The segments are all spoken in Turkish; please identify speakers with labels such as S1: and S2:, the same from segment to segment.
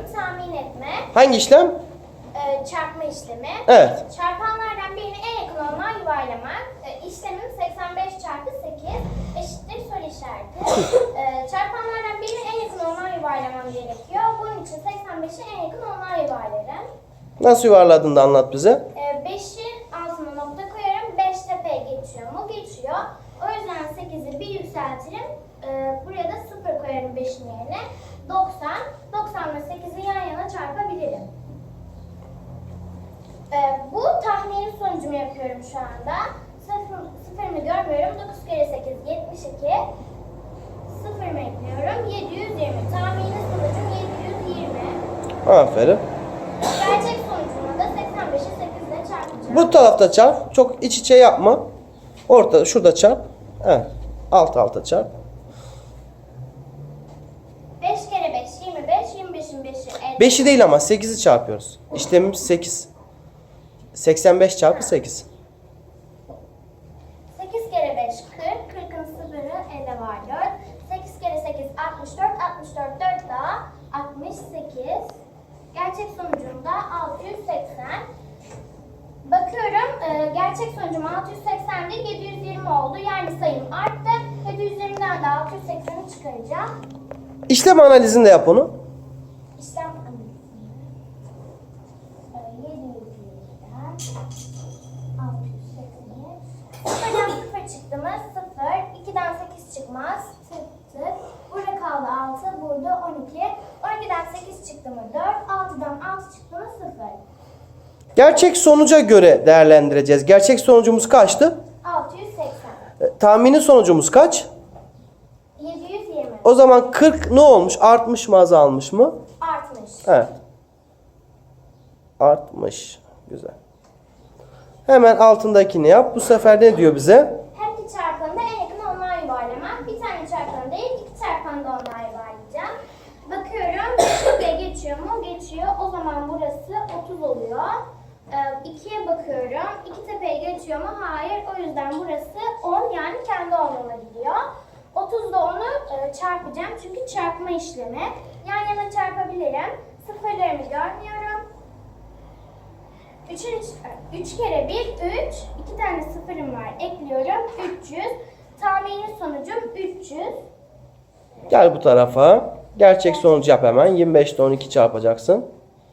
S1: tahmin etme.
S2: Hangi işlem?
S1: Çarpma işlemi.
S2: Evet.
S1: Çarpanlardan birini en yakın olana yuvarlamak. İşlemim 85 çarpı 8 eşittir soru işareti. Çarpanlardan birini en yakın olana yuvarlamam gerekiyor. Bunun için 85'i en yakın olana yuvarlarım.
S2: Nasıl yuvarladın da anlat bize.
S1: 5'in altına nokta koyarım. 5 tepeye geçiyor mu? Geçiyor. O yüzden 8'i bir yükseltirim. Buraya da 0 koyarım 5'in yerine. 90. 90 ile 8'i yan yana çarpabilirim. Bu tahmini sonucumu yapıyorum şu anda. Sıfırımı görmüyorum. 9 kere 8 72. Sıfırımı ekliyorum. 720. Tahmini sonucum 720.
S2: Aferin.
S1: Gerçek sonucuma da 85'i 8 ile çarpacağım.
S2: Bu tarafta çarp. Çok iç içe yapma. Ortada, şurada çarp. Evet. Alt alta çarp.
S1: 5 kere 5 25. 25'in 5'i 50.
S2: 5'i değil ama 8'i çarpıyoruz. İşlemimiz 8. 85 çarpı 8.
S1: 8 kere 5 40. 40'ın sıfırı 50 var 4. 8 kere 8 64. 64 4 daha 68. Gerçek sonucum da 680. Bakıyorum gerçek sonucum 680 değil 720 oldu. Yani sayım arttı. 720'den de 680'i çıkaracağım.
S2: İşlem analizinde yap onu.
S1: İşlem analizinde 720'den 680'i sıfırdan 0 çıktı mı? 0. 2'den 8 çıkmaz. Tık. Burada kaldı 6. Burada 12. 12'den 8 çıktı mı? 4. 6'dan 6 çıktı mı? 0.
S2: Gerçek sonuca göre değerlendireceğiz. Gerçek sonucumuz kaçtı?
S1: 680.
S2: Tahmini sonucumuz kaç?
S1: 720.
S2: O zaman 40 ne olmuş? Artmış mı, azalmış mı?
S1: Artmış.
S2: Evet. Artmış. Güzel. Hemen altındakini yap. Bu sefer ne diyor bize?
S1: Her iki çarpanı da en yakın onluğa yuvarlamak. Bir tane çarpanı değil, iki çarpanı da onluğa yuvarlayacağım. Bakıyorum, 2'ye geçiyor mu? Geçiyor. O zaman burası 30 oluyor. 2'ye bakıyorum. 2 tepeye geçiyor mu? Hayır. O yüzden burası 10, yani kendi onluğuna gidiyor. 30'da onu çarpacağım. Çünkü çarpma işlemi. Yan yana çarpabilirim. Sıfırlarımı görmüyorum. 3 kere 1, 3. 2 tane sıfırım var. Ekliyorum. 300. Tahmini sonucum 300.
S2: Gel bu tarafa. Gerçek sonucu yap hemen. 25'te 12 çarpacaksın.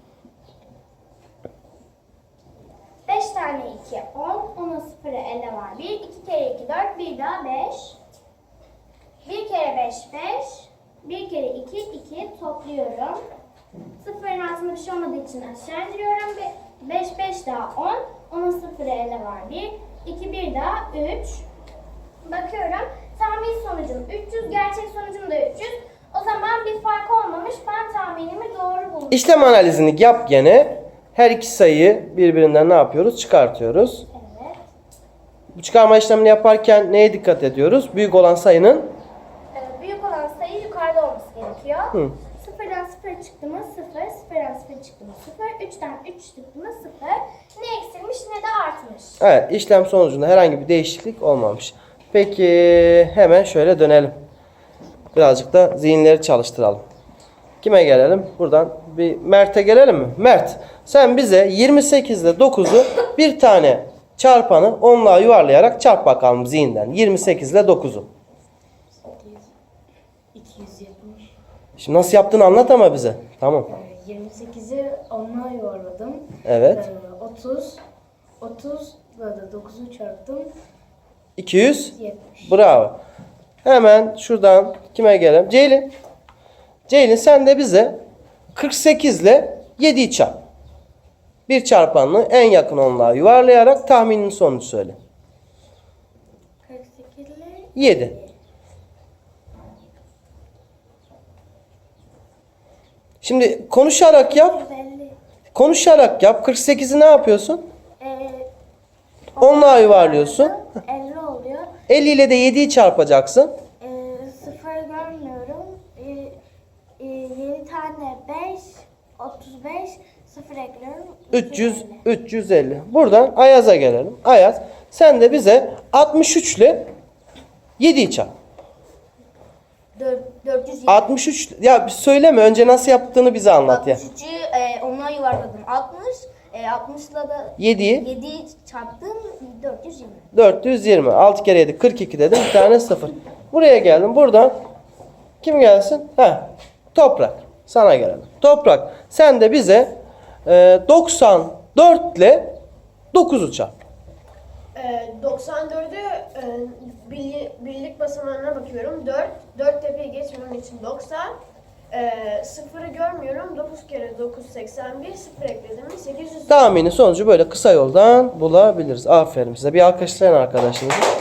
S1: 5 tane 2, 10. 10'un sıfırı 50 var. 1, 2 kere 2, 4. Bir daha 5. 1 kere 5, 5. 1 kere 2, 2. Topluyorum. Sıfırın altında bir şey olmadığı için aşağı indiriyorum. 5, 5 daha 10. 10'un sıfırı 50 var. 1, 2, 1 daha 3. Bakıyorum. Tahmin sonucum 300. Gerçek sonucum da 300. O zaman bir fark olmamış. Ben tahminimi doğru buldum.
S2: İşlem analizini yap gene. Her iki sayıyı birbirinden ne yapıyoruz? Çıkartıyoruz.
S1: Evet.
S2: Bu çıkarma işlemini yaparken neye dikkat ediyoruz? Büyük olan sayının
S1: Büyük olan sayı yukarıda olması gerekiyor.
S2: Hı.
S1: Sıfırdan 0 çıktı mı 0, sıfırdan 0 çıktı mı 0, 3'ten 3 çıktı mı 0. Ne eksilmiş ne de artmış.
S2: evet, işlem sonucunda herhangi bir değişiklik olmamış. Peki hemen şöyle dönelim. Birazcık da zihinleri çalıştıralım. Kime gelelim? Buradan bir Mert'e gelelim mi? Mert, sen bize 28 ile 9'u bir tane çarpanı onluğa yuvarlayarak çarp bakalım zihinden. 28 ile 9'u.
S3: 270.
S2: Şimdi nasıl yaptığını anlat ama bize. Tamam.
S3: 28'i onluğa yuvarladım.
S2: Evet.
S3: 30. 30 ile de 9'u çarptım.
S2: 200.
S3: 70.
S2: Bravo. Hemen şuradan kime gelelim? Ceylin. Ceylin sen de bize 48 ile 7'yi çarp. Bir çarpanını en yakın onluğa yuvarlayarak tahminin sonucu söyle.
S1: 48 ile
S2: 7. Şimdi konuşarak yap.
S1: 150.
S2: Konuşarak yap. 48'i ne yapıyorsun? Onluğa yuvarlıyorsun.
S1: 50 oluyor.
S2: 50 ile de 7'yi çarpacaksın.
S1: Sıfır görmüyorum. 7 tane 5, 35, sıfır ekliyorum.
S2: 300, 350. Buradan Ayaz'a gelelim. Ayaz, sen de bize 63 ile 7'yi çarp.
S1: 4 420.
S2: 63 ya söyleme önce nasıl yaptığını bize anlat ya.
S1: 63'ü ona yuvarladım. 60. 60'la da
S2: 7'yi
S1: 7'yi çarptım 420.
S2: 420. 6 kere 7 42 dedim. Bir tane 0. Buraya geldim. Buradan kim gelsin? Toprak. Sana gelelim. Toprak. Sen de bize 94 ile 9'u çarp.
S3: 94'ü birlik basamağına bakıyorum. 4 tepeyi geçmem için 90. Sıfırı görmüyorum. 9 kere 9 81. Sıfır ekledim mi 800.
S2: Tahmini sonucu böyle kısa yoldan bulabiliriz. Aferin size. Bir alkışlayın arkadaşınızı.